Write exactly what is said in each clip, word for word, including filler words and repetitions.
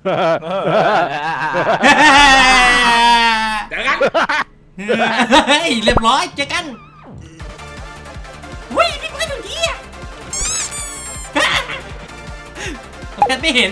เจอกันเฮ้ยเรียบร้อยเจอกันวิ่งพี่เบิร์ดอยู่ที่อ่ะแพทไม่เห็น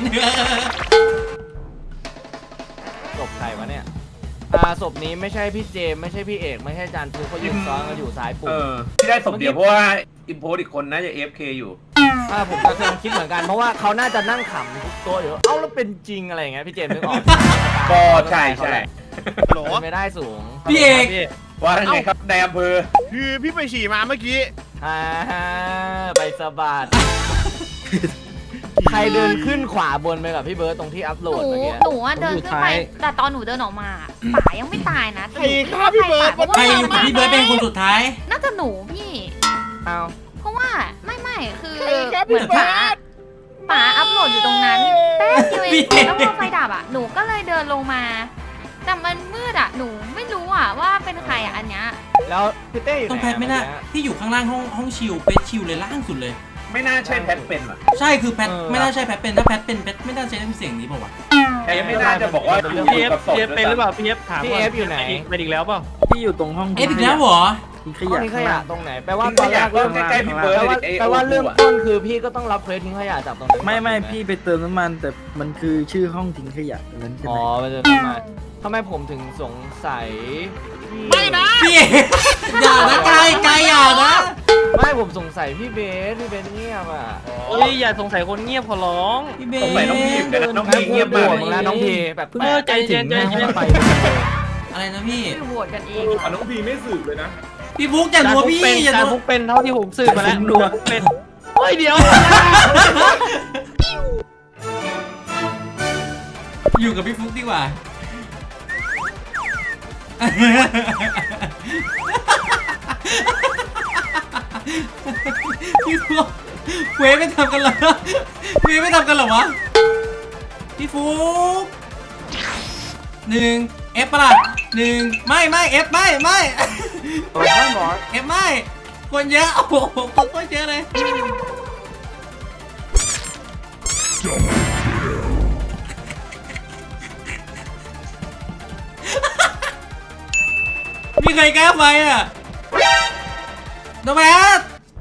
ศพใครวะเนี่ยอ่าศพนี้ไม่ใช่พี่เจมไม่ใช่พี่เอกไม่ใช่จานฟูเขายืนซ้อนกันอยู่ซ้ายปุ่เอมอที่ได้ศพเดียวเพราะว่าอิมโพสอีกคนน่าจะ เอฟ เค อยู่อ่าผมก็กำลังคิดเหมือนกันเพราะว่าเขาน่าจะนั่งขำทุกตัวอยู่เอ้าแล้วเป็นจริงอะไรอย่างเงี้ยพี่เจมนึกออกก็ใช่ใช่โหลเป็นไม่ได้สูงพี่เอกว่าไงครับนายอำเภอคือพี่ไปฉี่มาเมื่อกี้อ่าไปสะบัดใครเดินขึ้นขวาบนไปกับพี่เบิร์ตตรงที่อัพโหลหดนูเมื่อกี้หนูอะเดินขึ้นไปแต่ตอนหนูเดินออกมาป๋ายังไม่ตายนะใครฆ่าพี่เบิร์ดเพราะใครว่าอยู่กับพี่เบิร์ดเป็นคนสุดท้ายน่าจะหนูพี่เอาเพราะว่าไม่ไม่คือใครครับเหมืพี่อนเบิป๋าร์ดป๋าอัพโหลดอยู่ตรงนั้นแป๊บเดียวเองแล้วพอไฟดับอ่ะหนูก็เลยเดินลงมาแต่มันมืดอ่ะหนูไม่รู้อ่ะว่าเป็นใครอ่ะอันเนี้ยแล้วพี่เต้อยู่ต้องไหนแพทไม่น่าเมื่อกี้พี่อยู่ข้างล่างห้องห้องชิลเปชชิลเลยล่างสุดเลยไม่น่าใช่แพทเป็นอ่ะใช่คือแพทเออไม่น่าใช่แพทเป็นถ้าแพทเป็นแพทไม่น่าใช้เสียงนี้เปล่าวะแพทไม่น่าจะบอกว่าอยู่พี่เอฟกับศพพี่เอฟเป็นหรือเปล่าพี่เอฟถามพี่ก่เอฟอยู่ไหนไปอีกแล้วเปล่าที่อยู่ตรงห้องเอ๊ะอีกแล้วเหรอทิ้งขห้องยะทิ้งขยะตรงไหนแปลว่าว่าตตออน นแรแรกกเริ่เริ่มมใกล้ๆพี่เบิร์ดแปลว่าไอ้แปลว่าโอ้โหเริ่มต้นคือพี่ก็ต้องรับเควสทิ้งขยะจากตรงนั้นไม่ไม่ก่อนพี่ไปเติมน้ำมันแต่มันคือชื่อห้องทิ้งขยะนั้นใช่อ๋ไหอมไปเจอทำไมทำไมผมถึงสงสัยไม่นะพี่เอกอย่านะกายกายอย่านะไม่ผมสงสัยพี่เบสพี่เบสเงียบอ่ะเฮ้ยอย่าสงสัยคนเงียบขอร้องพี่เบสงสัยน้องพีมกันนะน้องพีเงียบปมากวดเลยมึงแล้วน้องพีแบบเออใจเย็นใจเย็นไปอะไรนะพี่คือโหวตกันเองอ่ะน้องพีไม่สืบเลยนะพี่ฟุกอย่านัวพี่อย่าจานนัวฟุกเป็นเท่าที่ผมสืบมาแล้วจานฟุกเป็นเฮ้ยเดี๋ยวอยู่กับพี่ฟุกดีกว่า พี่ฟุกเวฟไม่ทำกันเหรอเวฟไม่ทำกันเหรอวะพี่ฟุกหนึ่งเอฟปะล่ะหนึ่งไม่ไม่เอฟไม่ไม่โอ้ยหมอเอฟไม่คนเยอะโอ้โหคนเยอะเลยมีใครกล้าไปอ่ะโนแมส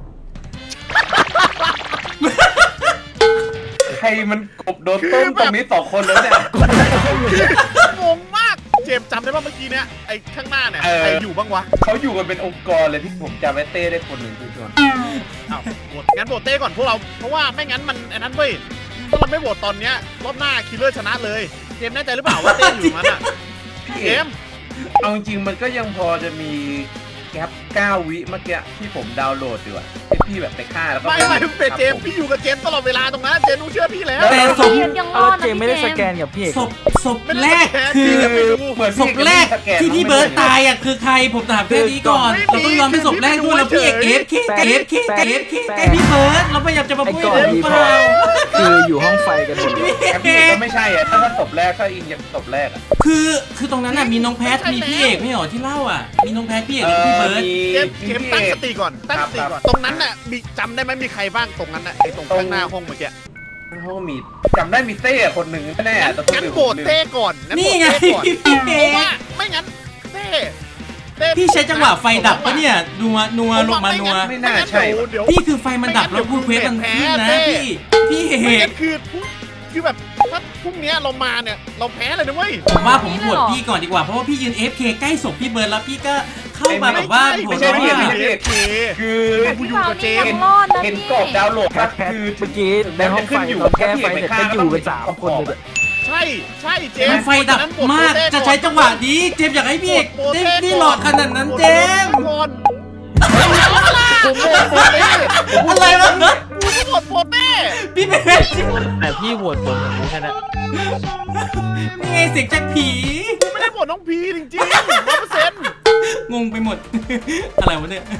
ใครมันกบโดนต้มตรงนี้สองคนแล้วเนี่ยงงมากเจมส์จำได้ป่ะเมื่อกี้เนี้ยไอ้ข้างหน้าเนี่ยเออใครอยู่บ้างวะเขาอยู่กันเป็นองค์กรเลยที่ผมจำไว้เต้ได้คนหนึ่งคือชวนอ้าวโหวตงั้นโหวตเต้ก่อนพวกเราเพราะว่าไม่งั้นมันไอ้นั้นเว้ยถ้าเราไม่โหวตตอนเนี้ยรอบหน้าคิลเลอร์ชนะเลยเจมส์แน่ใจหรือเปล่าว่าเต้อยู่มันอ่ะพี่เจเอ็มมส์เอาจริงๆมันก็ยังพอจะมีแก๊ปเก้าวิเมื่อกี้ที่ผมดาวน์โหลดอยู่อะที่พี่แบบไปฆ่าแล้วก็ไม่ไม่ครับเป็นเจมส์พี่อยู่กับเจมส์ตลอดเวลาตรงนั้นเจมส์ต้องเชื่อพี่แล้วแต่ศพเจมส์ยังรเอาอแล้ดวนะเจมไม่ได้สพี่แกเจนมส์กับพี่เอกศพศพแรกคือเหมือนศพี่พแรกสนที่พี่เบิร์ตตายอ่ะคือใครผมถามแค่นี้ก่อนเราต้องยอมเป็นศพแรกด้วยแล้วพี่เอกเอฟเคเอฟเคเอฟเคแกพี่เบิร์ตเราพยายามจะมาไอ้พูดก่อนเรื่องที่เปพอล่าคืออยู่ห้องไฟกันหมดเลยแก๊ปพี่ก็ไม่ใช่อะถ้าถ้าศพแรกถ้าอิงยังศพแรกอะคือคือตรงนั้นน่ะมีน้องแพทมีพี่เอกไม่เหรอที่เล่าอ่ะมีน้องแพทพี่เอกแล้วก็พี่เบิร์ตเจมส์เจมส์ตั้งสติก่อนตั้งสติก่อนตรงนั้นน่ะมีจำได้ไหมมีใครบ้างตรงนั้นน่ะไอ้ตรงข้างหน้าห้องเมื่อกี้เขาก็มีจำได้มีเต้คนหนึ่งแน่ๆแต่งั้นโหวตเต้ก่อนงั้นโหวนี่ตไงเต้ก่อนพี่เอเพราะกว่าไม่งั้นเต้เต้พี่ใช้จังหวะไฟดับปะเนี่ยนัวนัวลงมานัวไม่น่าใช่เดี๋ยวเดี๋ยวพี่คือไฟมันดับแล้วพูดเควสมันขึ้นนะพี่พี่เอไม่กงั้นคือคือแบบถ้าพรุ่งนี้เรามาเนี่ยเราแพ้เลยนะเว้ยผมว่าผมโหวตพี่ก่อนดีกว่าเพราะว่าพี่ยืน เอฟ เค ใกล้ศพพี่เบิร์ดแล้วพี่ก็เข้ามาแบบว่าโหวไม่ตใช่ว่าไม่ใช่ไม่ไม่ใช่ใช่เคคือกูอยู่กับเจมยัส์งรอดนะเห็นพี่กรอบดาวน์โหลดแพปะทแพทคือเมื่อกี้ในห้องไฟตอนแก้ไฟเสร็จก็อยู่กันสามคนเลยใช่ใช่เจมมันส์ไฟดับมากจะใช้จังหวะนี้เจมส์อยากให้พี่เอกได้ได้หลอกขนาดนั้นเจมส์ก่อนผมโหวตโปเต้อะไรวะกูก็โหวตโปเต้พี่เบสแต่พี่โหวตผมผมรู้แค่นั้นนี่ไงเสียงจากผีกูไม่ได้โหวตน้องพีจริงๆร้อยเปอร์เซ็นต์งงไปหมด อะไรวะเนี่ย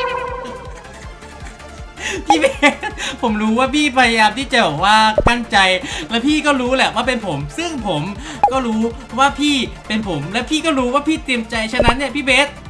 พี่เบสผมรู้ว่าพี่พยายามที่จะแบบว่ากั้นใจและพี่ก็รู้แหละว่าเป็นผม ซึ่งผมก็รู้ว่าพี่เป็นผม และพี่ก็รู้ว่าพี่เตรียมใจฉะนั้นเนี่ยพี่เบส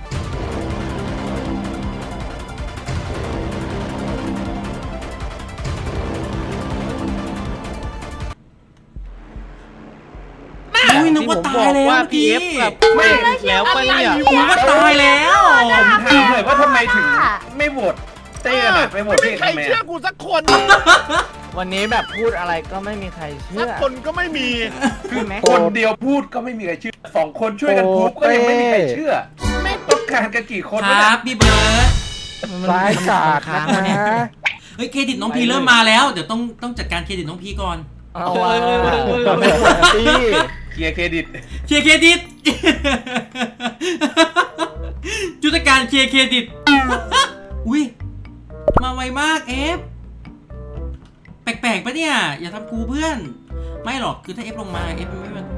นึกว่าตายแล้วว่าเมื่อพีกี้เอฟแบบไม่แล้วปะเนี่ยผมว่าตายแล้วผมถามเลยว่าทำไมถึงไม่โหวตเต้กันอะไปโหวตไม่พี่มีใครทำไมเชื่ออะกูสักคนวันนี้แบบพูดอะไรก็ไม่มีใครเชื่สักอคนก็ไม่มีคือคนเดียวพูดก็ไม่มีใครเชื่อสองคนช่วยกันพูดก็ยังไม่มีใครเชื่อ ไม่ต้องการกันกี่คนควะรัเนี่ยบพี่เบิร์ดร้ายกาจนะเฮ้ยเครดิตน้องพีเริ่มมาแล้วเดี๋ยวต้องต้องจัดการเครดิตน้องพีก่อนเอาว่าไม่ควรตีเคลียร์เครดิตเคลียร์เครดิต ยุทธการเคลียร์เครดิต อุ้ยมาไวมากเอฟแปลกๆปะเนี่ยอย่าทำกูเพื่อนไม่หรอกคือถ้าเอฟลงมาเอฟไม่มัน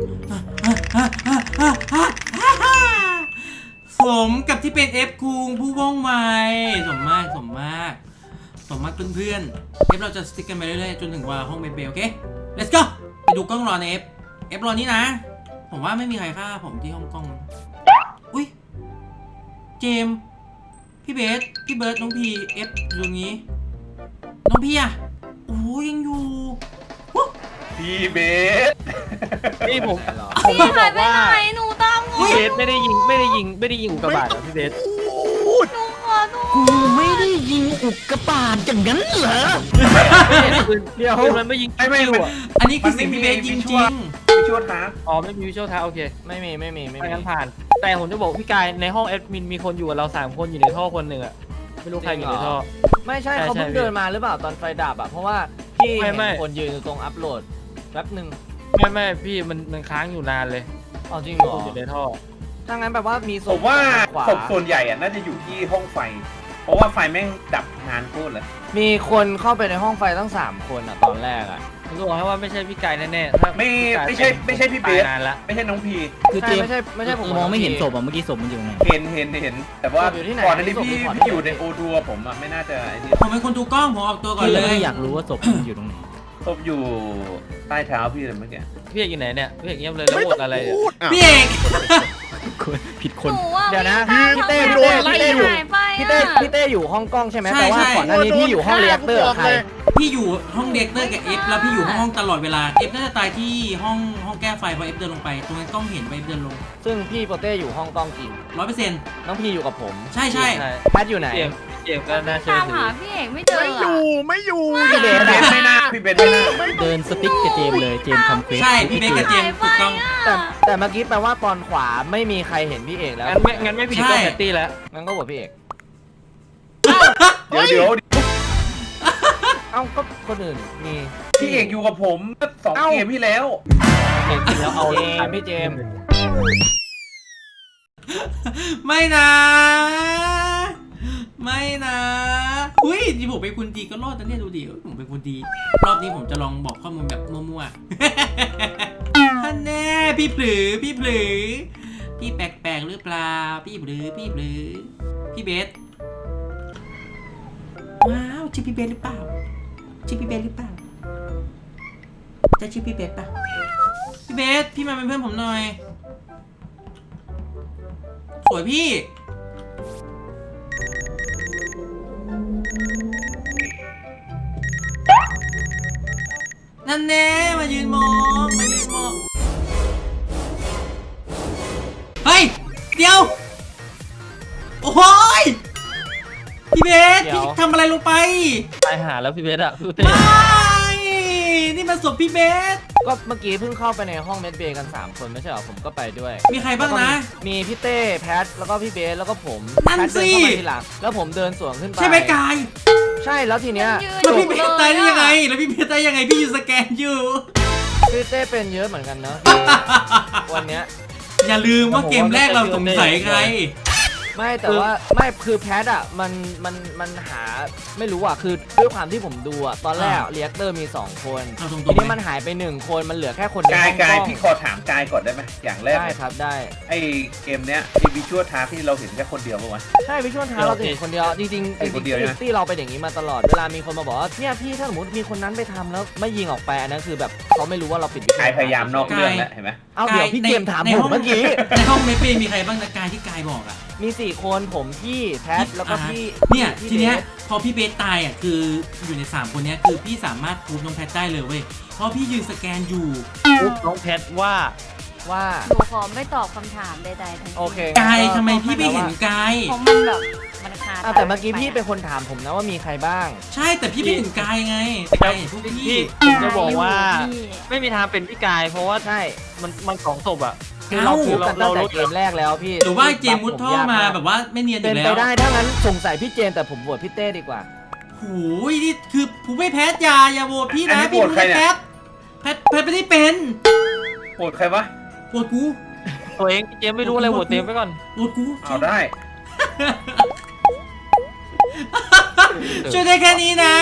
สมกับที่เป็นเอฟคุงผู้ว่องไวสมมากสมมากสมมากเพื่อนๆเอฟเราจะสติ๊กกันไปเรื่อยๆจนถึงว่าห้องเบลเบลโอเค let's go ไปดูกล้องรอในเอฟเอฟรอนี่นะผมว่าไม่มีใครฆ่าผมที่ห้องกล้องอุ้ยเจมส์พี่เบสพี่เบิร์ดน้องพีเอฟอยู่ตรงนี้น้องพีอะโอ้ยยังอยู่พี่เบสนี่ผมพี่หายไปไหนหนูตามงพี่งเบสไม่ได้ยิงไม่ได้ยิงไม่ได้ยิงอุกกาบาตอะพี่เบสหนูขอโทษกูไม่ได้ยิงอุกกาบาตอย่างนั้นเหรอเดี๋ยวมันไม่ยิงไม่ไม่คิวไม่อะอันนี้คือสิ่งพี่เบสจริงไม่ช่วยท้าอ๋อไม่มีวิชวลท้าโอเคไม่มีไม่มีไม่ไม่มีงั้นผ่าน แต่ผมจะบอกพี่กายในห้องแอดมินมีคนอยู่กับเราสามคนอยู่ในท่อคนหนึ่งอะไม่รู้ใครอยู่ในท่อไม่ใช่ใช่เขาเพิ่งใช่เดินมาหรือเปล่าตอนไฟดับอ่ะเพราะว่าพี่ไม่เห็นไม่คนยืนอยู่ตรงอัพโหลดแป๊บหนึ่งไม่ไม่พี่มันมันค้างอยู่นานเลยเอาจริงเหรออยู่ในท่อถ้างั้นแปลว่ามีศผพมว่าขวาศพส่วนใหญ่อะน่าจะอยู่ที่ห้องไฟ เพราะว่าไฟแม่งดับนานโคตรเลยมีคนเข้าไปในห้องไฟตั้งสามคนอ่ะตอนแรกอ่ะผมจะบอกให้ว่าไม่ใช่พี่กายแน่ๆถ้าไม่พี่กายไม่ใช่ไม่ใช่พี่เบสตายนานละไม่ใช่น้องพีคือใช่เจมไม่ใช่ไม่ใช่ผมมองไม่เห็นศพอ่ะเมื่อกี้ศพมันอยู่ไหนเห็นเห็นเห็น แต่ว่าอยู่ที่ไหนก่อนหน้านี้ศพพี่อยู่ก่อนพี่อยู่ในโอทัวร์ผมอะไม่น่าจะไอ้นี่ๆผมเป็นคนดูกล้องผมออกตัวก่อนพี่เลเลย ยอยากรู้ว่าศพมันอยู่ตรงไหนศพอยู่ใต้เท้าพี่เลยเมื่อกี้พี่เอกอยู่ไหนเนี่ยพี่เอกเงียบเลยแล้วไม่โหวต้องตอะไรเนี่ยพูดอ่ะพี่เอกผิดคหนนูอ่ะเดี๋ยวนะวิ่งพี่ตามเต้ทางพี่เต้พี่เต้อยู่หายไปพี่เต้อะพี่เต้อยู่ห้องกล้องใช่ไหมใช่แต่ว่าใช่ก่อนหน้านี้พี่อยู่ห้องเรียกเตอร์กับใครพี่อยู่ห้องเด็กเตอร์กับเอฟแล้วพี่อยู่ห้องตลอดเวลาเอฟน่าจะตายที่ห้องห้องแก้ไฟพอเอฟเดินลงไปตรงนั้นกล้องเห็นว่าเอฟเดินลงซึ่งพี่โปเต้อยู่ห้องกล้องจริงร้อยเปอร์เซ็นต์น้องพี่อยู่กับผมใช่ใช่ใช่แพทอยู่ไหนพี่เอกพี่เอกก็น่าเชื่อตามถืหาอพี่เอกไม่เจอไม่อยู่อะไม่อยู่พี่เบสพี่เบสไม่น่าพี่เบสไม่น่าเดินสติ๊กกับเจมเลย เจมทำเควสใช่พี่เบสกับเจมส์ถูกต้องแต่แต่เมื่อกี้แปลว่าตอนขวาไม่มีใครเห็นพี่เอกแล้วงั้นไม่งั้นไม่ผิดใช่ก็แพตตี้แล้วงั้นก็โหวตพี่เอกเดี๋ยวเดี๋ยวเอ้าก็คนอื่นมีพี่เอกอยู่กับผมสองเอ้าเกมที่แล้วเอกแล้วเอาเจมส์พี่เจมส์ไม่นะ ไม่นะอุ้ยที่ผมเป็นคนดีก็รอดนะเนี่ยดูดิผมเป็นคนดี รอบนี้ผมจะลองบอกข้อมูลแบบมั่วๆท่านแน่พี่ผลือพี่ผลือพี่แปลกๆหรือเปล่าพี่ผลือพี่ผลือพี่เบสว้าวชื่อพี่เบสหรือเปล่าชื่อพี่เบสหรือเปล่าจะชื่อพี่เบสป่ะพี่เบสพี่มาเป็นเพื่อนผมหน่อยสวยพี่นั่นแน่มายืนมองมายืนมองเฮ้ยเดี๋ยวโอ้ยพี่เบสพี่ทำอะไรลงไปตายหาแล้วพี่เบสอะพี่เต้ไม่นี่มันศพพี่เบสก็เมื่อกี้เพิ่งเข้าไปในห้องเมดเบย์กันสามคนไม่ใช่เหรอผมก็ไปด้วยมีใครบ้างนะมีพี่เต้แพทแล้วก็พี่เบสแล้วก็ผมนั่นแพทเดิสิเข้ามาทีหลังแล้วผมเดินสวนขึ้นไปใช่ไหมกายใช่แล้วทีเนี้ยยืนแล้วอพี่ยู่เบเลสตายได้ยยังไงอะแล้วพี่เบสตายยังไงพี่อยู่สแกนอยู่พี่เต้เป็นเยอะเหมือนกันเนอะ วันเนี้ยอย่าลืมว่าเกมแรกเราสงสัยใครไม่แต่ว่าไม่คือแพทอ่ะมันมันมันหาไม่รู้อ่ะคือด้วยความที่ผมดูอ่ะตอนแรกอ่าเรียกเตอร์มีสองคนเอาตรงๆทีนี้ไหมมันหายไปหนึ่งคนมันเหลือแค่คนในกายห้องกายกล้องพี่ขอถามกายก่อนได้ไหมอย่างแรกได้เลยครับได้ไอเกมเนี้ยไอวิชวลทาร์ที่เราเห็นแค่คนเดียวปะวะใช่วิชวลท้าเราจะเห็นคนเดียวจริงๆจริงไอ้คนเดียวๆใช่ไหมที่เราเป็นอย่างนี้มาตลอดเวลามีคนมาบอกว่าเนี่ยพี่ถ้าสมมติมีคนนั้นไปทำแล้วไม่ยิงออกไปอันนั้นคือแบบเขาไม่รู้ว่าเราปิดวิชวลกายพยายามนอกเรื่องแล้วเห็นไหมเอาเดี๋ยวพี่ในเกมถามในผห้มองเมื่อกี้ในห้องเมเปมีใครบ้างนะกายที่กายบอกอ่ะมีสี่คนผมพี่แพทแล้วก็อ่าพี่เนี่ยพี่ทีเนี้ยบสพอพี่เบสตายอ่ะคืออยู่ในสามคนเนี้ยคือพี่สามารถพูดน้องแพทได้เลยเว้ยเพราะพี่ยืนสแกนอยู่ปุ๊บน้องแพทว่าว่าหนูขอไม่ตอบคำถามใดๆทั้งสิ้นโอเคกายทำไมพี่ไม่เห็นกายเพราะมันแบบมันคาอ่ะแต่เมื่อกี้พี่เป็นคนถามผมนะว่ามีใครบ้างใช่แต่พี่ไม่เห็นกายไงแต่กายเห็นพวกพี่พี่ผมจะบอกว่าพี่ไม่มีทางเป็นพี่กาย เพราะว่าใช่มันมันสองศพอะคือเราเอ้าพูดกันตั้งแต่เกมแรกแล้วพี่หรือว่าเจมมุดท่อมาแบบว่าไม่เนียนอเป็นยู่ไปแล้วได้ถ้างั้นสงสัยพี่เจนแต่ผมโหวตพี่เต้ดีกว่าโอ้ยนี่คือผมไม่แพ้ยาอย่าโหวตพี่อันนะนี้พี่โหวตใครไม่เนี่ยแพ้แพ้แพ้ไม่ได้เป็นโหดใครวะโหวตกูตัวเองพี่เจมไม่รู้อะไรโหวตเต็มไปก่อนโหวตกูเอาได้ช่วยได้แค่นี้นะ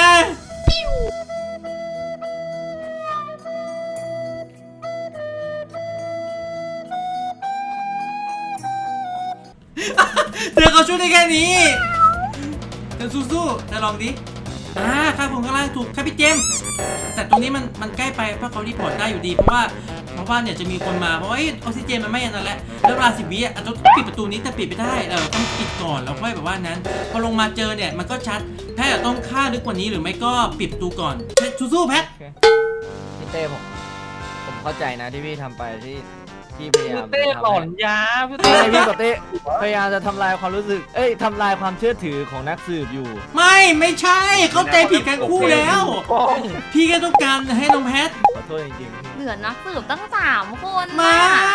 เธอเขาช่วยได้แค่นี้เธอสู้ๆเธอลองดิอ่าข้างบนข้างล่างถูกครับพี่เจมส์แต่ตรงนี้มันมันใกล้ไปเพราะเขารีพอร์ตได้อยู่ดีเพราะว่าเพราะว่าเนี่ยจะมีคนมาเพราะว่าออกซิเจนมันไม่อันนั้นแหละแล้วเวลาสิบวิอ่ะต้องปิดประตูนี้แต่ปิดไม่ได้เออต้องปิดก่อนแล้วค่อยแบบว่านั้นพอลงมาเจอเนี่ยมันก็ชัดแพทย์ต้องฆ่าลึกกว่านี้หรือไม่ก็ปิดประตูก่อนสู้ๆแพทพี่เต้ผมผมเข้าใจนะที่พี่ทำไปที่ที่พยายามเต้จะทำหลอนยาพี่เต้เต้พี่กับเต้พยายามจะทำลายความรู้สึกเอ้ยทำลายความเชื่อถือของนักสืบอยู่ไม่ไม่ใช่เข้าใจผิดกันคู่แล้วป้องพี่แค่ต้องการให้น้องแพทขอโทษจริงๆเหลือนักสืบตั้งสามคนไม่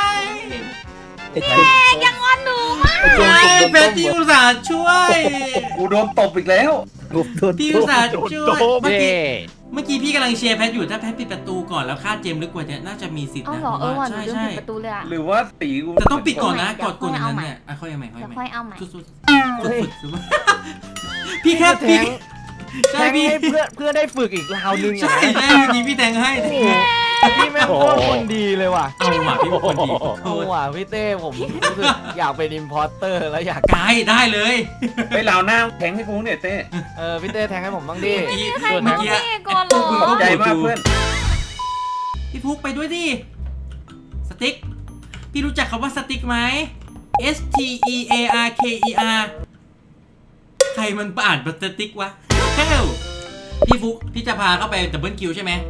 ยังงอนหนูมากไม่แพทที่อุตส่าห์ช่วยกูโดนตบอีกแล้วพี่อุตส่าห์ช่วยเมื่อเย้กี้เมื่อกี้พี่กำลังเชียร์แพทอยู่ถ้าแพทปิดประตูก่อนแล้วฆ่าเจมส์ลึกกว่านี้น่าจะมีสิทธิ์เอานะเหรอเออว่ะหนูใช่ลืมใช่ปิดประตูเลยอะหรือว่าตีกูแต่ต้องปิดก่อนนะเดี๋กยวดกดค่อยนั้เอานใหม่เนี่ยอ่ะค่อยเอาใหม่ค่อยเดี๋ยวเอาใหม่ค่อยเอาใหม่สุดๆฝึกฝึกๆพี่แค่แทพี่งใช่แทงพี่ให้เพื่อนเพื่อนได้ฝึกอีกราวนึงใช่อ่ะใช่เมื่อกี้พี่แทงให้โอ้โหพี่แม่งโคตรคนดีเลยว่ะเอาหมาพี่เป็นคนดีขอโทโอ้ษว่ะพี่เต้ผมรู้สึกอยากเป็นอิมพอร์เตอร์แล้วอยากกายได้เลยไปเหลาหน้าแทงให้กูเนี่ยเต้เออพี่เต้แทงให้ผมบ้างดิเมื่อกี้ใครเมื่มาอกี้เท่ก่อนเหรอพวกมึงใจก็มากเพื่อนพี่ฟุกไปด้วยดิ สติ๊ก พี่รู้จักคำว่าสติ๊กไหม S T E A R K E R ใครมันอ่านเป็นสติ๊กวะแก้วพี่ฟุก พี่จะพาเข้าไปดับเบิลคิวใช่ไหม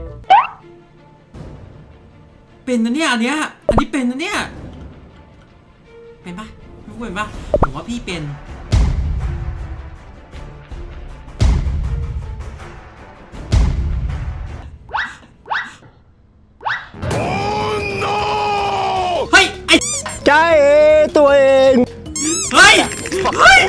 เป็นนะเนี่ยอันเนี้ย อันนี้เป็นนะเนี่ย เป็นปะพี่ฟุกเป็นปะผมว่าพี่เป็น เฮ้ย ไอ้ใจตัวเองเฮ้ย เฮ้ย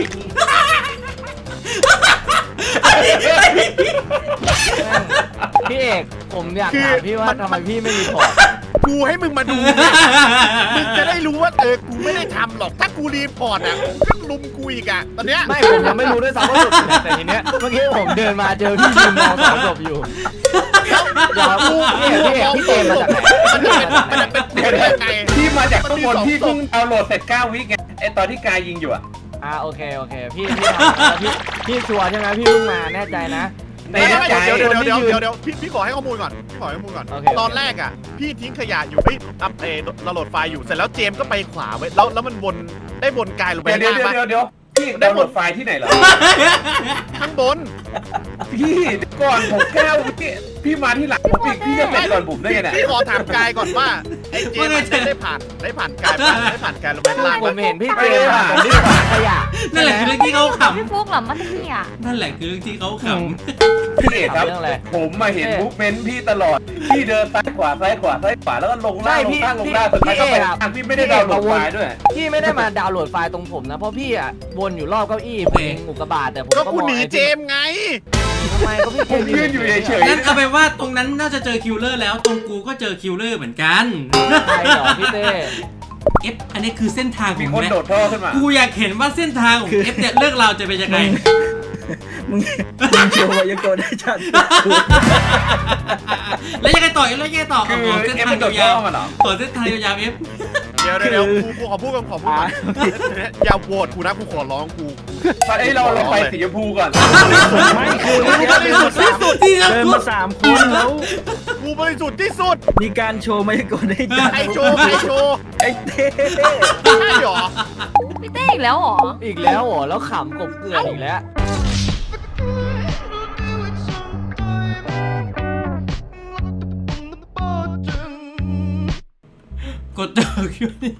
พี่เอกผมอยากคือถามพี่ว่ามันทำไมพี่ไม่รีพอร์ตกูให้มึงมาดูเนี่ยมึงจะได้รู้ว่าเออกูไม่ได้ทำหรอกถ้ากูรีพอร์ตอ่ะมึงก็ลุมกูอีกอ่ะตอนเนี้ยไม่ผมยังไม่รู้ด้วยซ้ำว่าศพอยู่ไหนแต่ทีเนี้ยเมื่อกี้ผมเดินมาเจอพี่ยืนมองสองศพอยู่ เดี๋ยวพี่เอกพี่เอกพี่เจมส์มาจากไหนมันจะเป็นมันจะเป็นเป็นยังไงพี่มาจากข้างบนพี่เพิ่งดาวน์โหลดเสร็จเก้าวิไงไอตอนที่กายยิงอยู่อะอ่าโอเคโอเคพี่พี่ทำแล้วพี่พี่ชัวร์ใช่ไหมพี่เพิ่งมาแน่ใจนะในไม่ไม่ใจไม่เดี๋ยวเดี๋ยวเดี๋ยวเดี๋ยวเดี๋ยวพี่พี่ขอให้ข้อมูลก่อนพี่ขอให้ข้อมูลก่อนโอเคตอนแรกอ่ะพี่ทิ้งขยะอยู่พี่อัพเอเราโหลดไฟล์อยู่เสร็จแล้วเจมส์ก็ไปขวาไว้แล้วแล้วมันวนได้วนกายลงไปเดี๋ยวข้างเดี๋ยวล่างเดี๋ยวปะเดี๋ยวพี่ดาวน์โหลดไฟล์ที่ไหนเหรอข้างบนพี่ก่อนผมเก้าวิพี่มาที่หลังผมอีกพี่จะเป็นก่อนผมได้ไงเนี่ยพี่ขอถามกายก่อนว่าไอ้เจมส์อะได้ได้ผ่านได้ผ่านกายปะได้ผ่านกายลงไปข้างล่างผปะมเห็นพี่เจมส์อะผมรีบขวาขยะนั่นแหละคือเรื่องที่เขาขพี่ฟุกเหรอมันเที่ยำนั่นแหละคือเรื่องที่เขาขพี่เอกครับเรื่องอะไรผมมาเห็นมูฟเมนต์พี่ตลอด พี่เดินซ้ายขวาซ้ายขวาซ้ายขวาแล้วก็ลงล่างลงล่างลงล่างสุดท้ายก็ไปทางพี่ไม่ได้ดาวน์โหลดไฟล์ด้วยพี่ไม่ได้มาดาวน์โหลดไฟล์ตรงผมนะเพราะพี่อ่ะวนอยู่รอบเก้าอี้ผมเองอุกกาบาตแต่ผมก็ก็กูมองหนีไอ้เจมส์ไงทำไมก็พี่เจมส์ผมยืนอยู่เฉยำนั่นเอาไปนว่าตรงนั้นน่าจะเจอคิวเลอร์แล้ว ตรงกูก็เจอคิวเลอร์เหมือนกันใช่เหรอพี่เต้เอฟอันนี้คือเส้นทางขมีองคนแม่โดดท่อขึ้นมากูอยากเห็นว่าเส้นทางของเอฟเนี่ยเรื่องราวจะเป็นยังไงมึงมึงโชว์มายังโกได้ชัดแล้วยังไงต่อแล้วยังไงต่อคือขอเส้นเอฟทางมันโดดยาท่วอมาเหรอๆขอเส้นทางยาวๆเอฟเดี๋ยวเดี๋ยวเดี๋ยวกูกูขอพูดกันขอพูดก่อนอย่าโหวตกูนะกูขอร้องกูเอ้ยเราเราไปสีชมพูก่อนไม่คือกูบริสุทธิ์ที่สุดที่เราเดินกูมาสามคนแล้วกูบริสุทธิ์ที่สุดมีการโชว์มายังโกได้ชัดไอโชว์ไอโชว์ไอ้เต้ใช่หรอพี่เต้อีกแล้วเหรออีกแล้วเหรอแล้วขำกบเกลื่อนอีกแล้วกกดต่อคิวนี่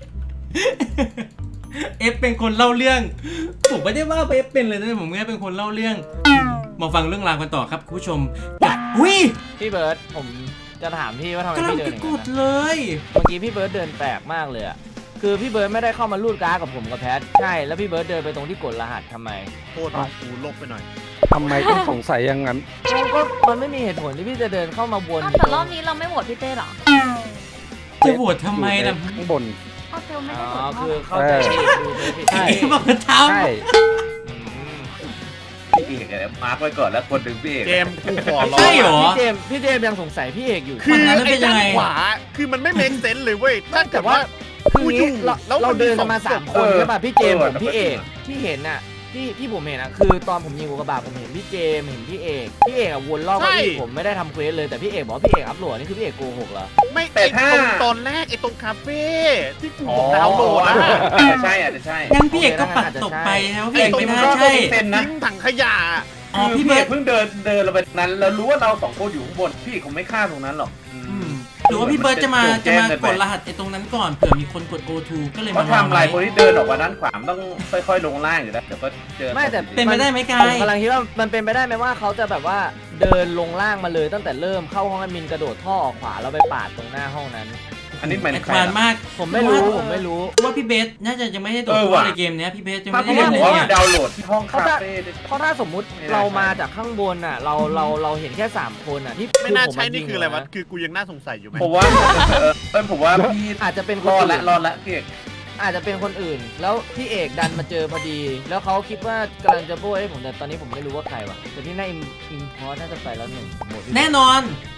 เอฟเป็นคนเล่าเรื่องผมไม่ได้ว่าเอฟเป็นเลยนะผมแค่เป็นคนเล่าเรื่องมาฟังเรื่องราวกันต่อครับคุณผู้ชมอุ้ยพี่เบิร์ดผมจะถามพี่ว่าทำไมกำลังพี่เดินจะอย่างกนั้นดนะเลยเมื่อกี้พี่เบิร์ดเดินแปลกมากเลยอะคือพี่เบิร์ดไม่ได้เข้ามาลูดการ์ดกับผมกับแพทใช่แล้วพี่เบิร์ดเดินไปตรงที่กดรหัสทำไมโทษว่ากูลบไปหน่อยทำไมต้องสงสัยอย่างนั้นก็มันไม่มีเหตุผลที่พี่จะเดินเข้ามาวนอ้าวแต่รอบนี้เราไม่โหวตพี่เต้เหรอจะโหวตทำไมล่ะข้างบนอ้าวเต้ไม่อ๋ได้โหวอตคือเข้าใจผิดดูไม่ผิดใช่เอฟบอกจะทใช่อืมพี่เอกเนี่ยมาร์กไว้ก่อนแล้วคนหนึ่งพี่เอกเจมส์กูขอำร้อใช่งเหรอพี่เจมส์พี่เจมส์ยังสงสัยพี่เอกอยู่คือมันนั้นเป็ไอ้นยัด้าง นไงขวาคือมันไม่เมคเซนส์เลยเว้ยถ้าแต่เกิดว่าว่าคืองี้กูอยู่เราแล้วมันเราเดินกันมามีสองสามศพคนใช่ป่ะพี่เจมส์เอผอมพี่เอกที่เห็นน่ะที่ที่ผมเห็นอ่ะคือตอนผมยิงอุกกาบาตผมเห็นพี่เจมส์เห็นพี่เอกพี่เอกอ่ะวนรอบใช่เก้าอี้ผมไม่ได้ทำเควสเลยแต่พี่เอกบอกว่าพี่เอกอัพโหลดนี่คือพี่เอกโกหกเหรอไม่แต่ไอ้ถ้าตรงตอนแรกไอ้ตรงคาเฟ่ที่กูอ๋อดาวน์โหลดอะอาจจะใช่อาจจะใช่งั้นพี่เอกก็ปัดตกไปแล้วพี่เอกไม่น่าใช่เซ็นนะทิ้งถังขยะอ๋อคือพี่พี่เบิเอร์ดกเพิ่งเดินเดินลงไปนั้นแล้วรู้ว่าเราสองคนอยู่ข้างบนพี่เอกคงไม่ฆ่าตรงนั้นหรอกอือืมมหรือว่าพี่เบิร์ดจะมามันจะจะมาแจ้งกเกิดนไปรหัสไอ้ตรงนั้นก่อนเผื่อมีคนกด โอ ทู ก็เลยเพมาราะวางทำไรไว้คนที่เดินออกมาด้านขวามันต้องค่อยๆลงล่างอยู่แล้วเดี๋ยวก็เจอไม่แต่เป็นไปได้ไหมกาผมยกำลังคิดว่ามันเป็นไปได้ไหมว่าเขาจะแบบว่าเดินลงล่างมาเลยตั้งแต่เริ่มเข้าห้องแอดมินกระโดดท่อออกขวาแล้วไปปาดตรงหน้าห้องนั้นอันนี้หมายแอถึดงใครวานล่ะมากผมไม่รู้ผมไม่รู้ว่าพี่เบสน่าจะยังไม่ได้ตรวจเออสอบว่ะในเกมเนี้ยพี่เบสจะถ้าไม่พี่ได้เอกเล่นบเลอกยว่าเนี่ยดาวน์โหลดที่ห้องคาเฟ่เพราะถ้าสมมุติไม่น่าเราใช่มาจากข้างบนอ่ะเราเราเราเห็นแค่สามคนอ่ะที่ไม่น่าผใช่นี่คืออะไรวะยิงคือกูยังน่าสงสัยอยู่ไหมผมว่าเออเออผมว่าพี่อาจจะเป็นครนอดอื่ละนรอดละพี่เอกอาจจะเป็นคนอื่น แล้วพี่เอกดันมาเจอพอดี แล้วเขาคิดว่ากำลังจะโบยให้ผมแต่ตอนนี้ผมไม่รู้ว่าใครวะแต่ที่น่าอินอินพอน่าจะไปแล้วหนึ่งหมดที่แน่นอน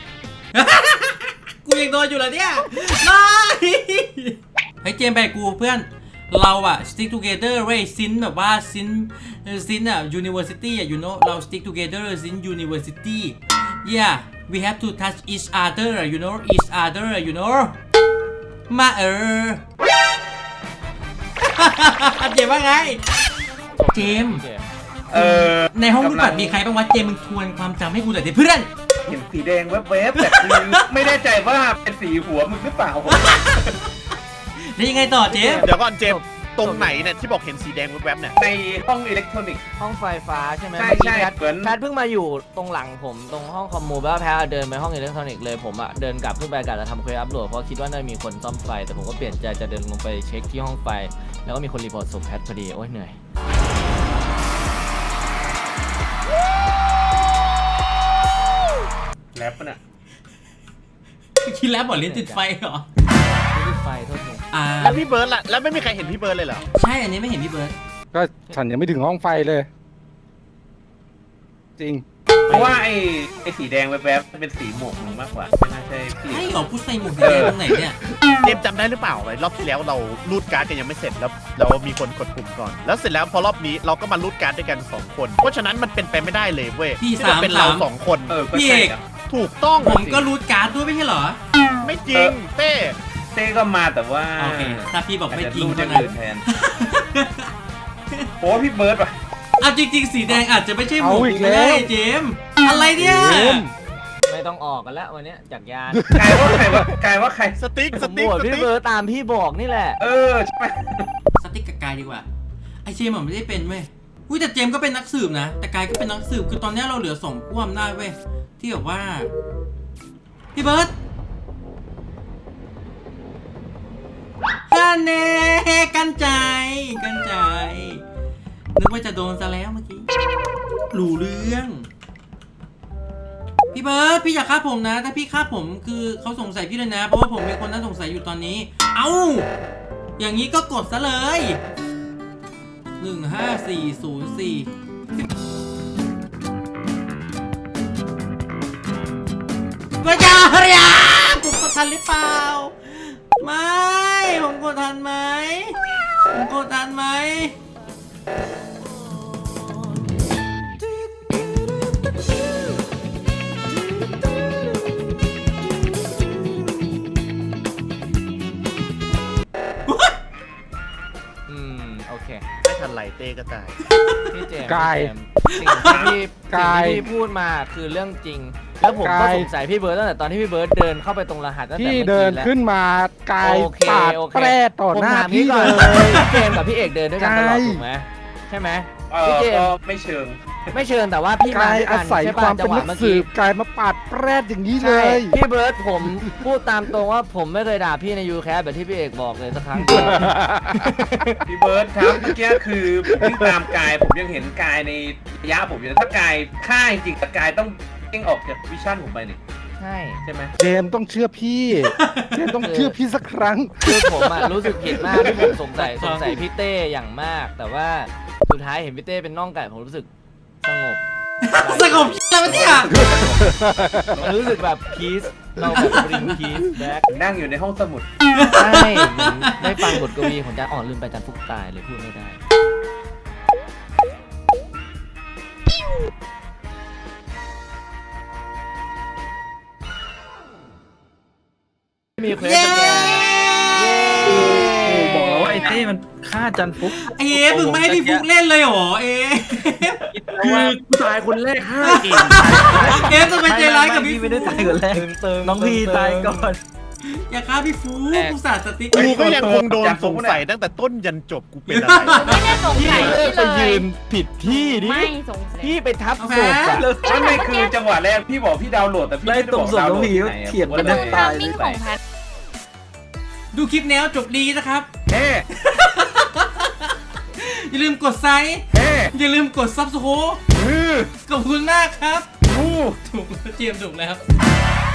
กูยังโดนอยู่เหรอเนี่ยไม่เฮ้ยเจมส์ไปกับกูเพื่อนเราอะ stick together เว้ยซินแบบว่าซินซินอะ university อะ you know เรา stick together ซิน university yeah we have to touch each other you know each other you know มาเออ เจมส์ว่าไงเจมส์เจมส์เออในห้องรูดบัตรมีใครบ้างวะเจมส์มึงทวนความจำให้กูหน่อยดิเพื่อนเห็นสีแดงแวบๆแต่คือไม่แน่ใจว่าเป็นสีหัวมึงหรือเปล่าแล้วยังไงต่อเจมส์เดี๋ยวก่อนเจมส์ตรงไหนเนี่ยที่บอกเห็นสีแดงแวบๆเนี่ยในห้องอิเล็กทรอนิกส์ห้องไฟฟ้าใช่ไหมใช่เมื่อกี้ใช่แพทเหมือนแพทเพิ่งมาอยู่ตรงหลังผมตรงห้องคอมมูแล้วแพทเดินไปห้องอิเล็กทรอนิกส์เลยผมอะเดินกลับขึ้นไปกะจะทำเควสอัพโหลดเพราะคิดว่าน่าจะมีคนซ่อมไฟแต่ผมก็เปลี่ยนใจจะเดินลงไปเช็คที่ห้องไฟแล้วก็มีคนรีพอร์ตศพแพทพอดีโอ้ยเหนื่อยแรปปะน่ะคิดแล้วบอกลิ้นติดไฟเหรอไม่ได้ไฟโทษทีอ่าแล้วพี่เบิร์ดล่ะแล้วไม่มีใครเห็นพี่เบิร์ดเลยเหรอใช่อันนี้ไม่เห็นพี่เบิร์ดก็ฉันยังไม่ถึงห้องไฟเลย จริงเพราะว่าไอ้ไอ้สีแดงแวบๆมันเป็นสีหมวกมึงมากกว่าไม่น่าใช่พี่ใช่เหรอผู้ใส่หมวกสีแดงตรงไหนเนี่ยเจมส์จำได้หรือเปล่าไอ้รอบที่แล้วเรารูดการ์ดกันยังไม่เสร็จแล้วเรามีคนกดปุ่มก่อน แล้วเสร็จแล้วพอรอบนี้เราก็มารูดการ์ดด้วยกันสองคนเพราะฉะนั้นมันเป็นไปไม่ได้เลยเว้ยพี่ที่จะเป็นสามเราสามสองคนเออก็พี่ใช่เอกนะถูกต้องผมก็รูดการ์ดด้วยไม่ใช่เหรอไม่จริงเต้เต้ก็มาแต่ว่าโอเคถ้าพี่บอกอาจไม่จะจริงรูดอก็ย่างนะอื่นแทนโอ้พี่เบิร์ดว่ะเอาจริง ๆ สีแดงอาจจะไม่ใช่หมวกเอาอีกก็ได้แล้วเจมส์อะไรเนี่ยเจมส์ไม่ต้องออกกันแล้ววันเนี้ยจากยานกลายว่าใครวะกลายว่าใครสติ๊กผสมติ๊กโหวตสพี่ติ๊กเบิร์ดตามพี่บอกนี่แหละเออใช่ไหมสติ๊กกับกายดีกว่าไอเจมส์มันไม่ได้เป็นเว้ยอุ้ยแต่เจมส์ก็เป็นนักสืบนะแต่กายก็เป็นนักสืบคือตอนนี้เราเหลือสองผู้อำนาจเว้ยที่แบบว่าพี่เบิร์ดฮันเน่กันใจกันใจนึกว่าจะโดนซะแล้วเมื่อกี้รู้เรื่องพี่เบิร์ดพี่อย่าฆ่าผมนะถ้าพี่ฆ่าผมคือเขาสงสัยพี่เลยนะเพราะว่าผมเป็นคนน่าสงสัยอยู่ตอนนี้เอ้าอย่างนี้ก็กดซะเลยหนึ่งห้าสี่ศูนย์สี่พระเจ้าเรียผมกดทันหรือเปล่าไม่ผมกดทันไหมผมกดทันไหมอืมโอเคไม่ทันไหลเต้ก็ตายพี่เจมส์กายพี่เจมส์สิ่งที่พี่กายสิ่งที่พี่พูดมาคือเรื่องจริงแล้วผมก็กายสงสัยพี่เบิร์ดตั้งแต่ตอนที่พี่เบิร์ดเดินเข้าไปตรงรหัสตั้งแต่พี่เมื่อเดินกี้แล้วขึ้นมากายโอเคปาดโอเคแปรต่อหน้าผมถมพี่ก่เลอนยพี่เจมส์กับพี่เอกเดินด้วยกันตลอดกายถูกไหมใช่ไหมเอพี่อเจมก็ส์ไม่เชิงไม่เชิญแต่ว่าพี่มากายด้วยอากันศัยใช่คป่ะวามจัเป็งนหนัวะกเมื่อสืกี้บกายมาปาดแปรอย่างนี้เลใช่ยพี่เบิร์ดผมพูดตามตรงว่าผมไม่เคยด่าพี่ในยูแคสแบบที่พี่เอกบอกเลยสักครั้งพี่เบิร์ดครับเมื่อกี้คือวิ่งตามกายผมยังเห็นกายในระยะผมอยู่นะถ้ากายฆ่าจริงๆแต่กายต้องเด้งออกจากวิชั่นผมไปนี่ใช่ใช่ไหมเจมส์ต้องเชื่อพี่ เจมส์ต้องเชื่อพี่สักครั้งคือผมอะรู้สึกผิดมากที่ผมสงสัยสงสัยพี่เต้อย่างมาก แต่ว่าสุดท้ายเห็นพี่เต้เป็นน่องไก่ผมรู้สึกสงบสงบแล้วเนี่ยมันรู้สึกแบบพีซเราแบบบริงพีซแบ็คนั่งอยู่ในห้องสมุดใช่เหมือนได้ฟังบทกวีของอาจารย์อ่อนลืมไปอาจารย์ฟุกตายเลยพูดไม่ได้มีเควสเย้สแกนเย้บอกแล้วว่าไอ้เต้มันฆ่าจันฟุกเอ๊ะมึงไม่ให้พี่ฟุกเล่นเลยเหรอเอ๊ะคือกูตายคนแรกห้าเกมเอ๊ะจะไปใจร้ายกับพี่ฟุไม่ได้กตายคนแรกตึงตึงน้องพี่ตายก่อนอย่าฆ่าพี่ฟุกกูสาดสติ๊กกูก็ยังคงโดนสงสัยตั้งแต่ต้นยันจบกูเป็นอะไรไม่ได้สงสัยพี่ไปเลยืยนผิดที่ดิไม่สงสัยพี่ไปทับเอาศแพ้พอะไม่ไม่คือจังหวะแรกพี่บอกพี่ดาวน์โหลดแต่พี่ไม่ได้บอกดาวน์โหลดที่ไหนเถียงกันตนะรงทามมิ่งของแพทดูคลิปแนวจบดีนะครับเฮ้อย่าลืมกดไซค์เฮ้อย่าลืมกดซับสโครฮือขอบคุณมากครับฮู้ถูกแล้วเจียมถูกแล้ว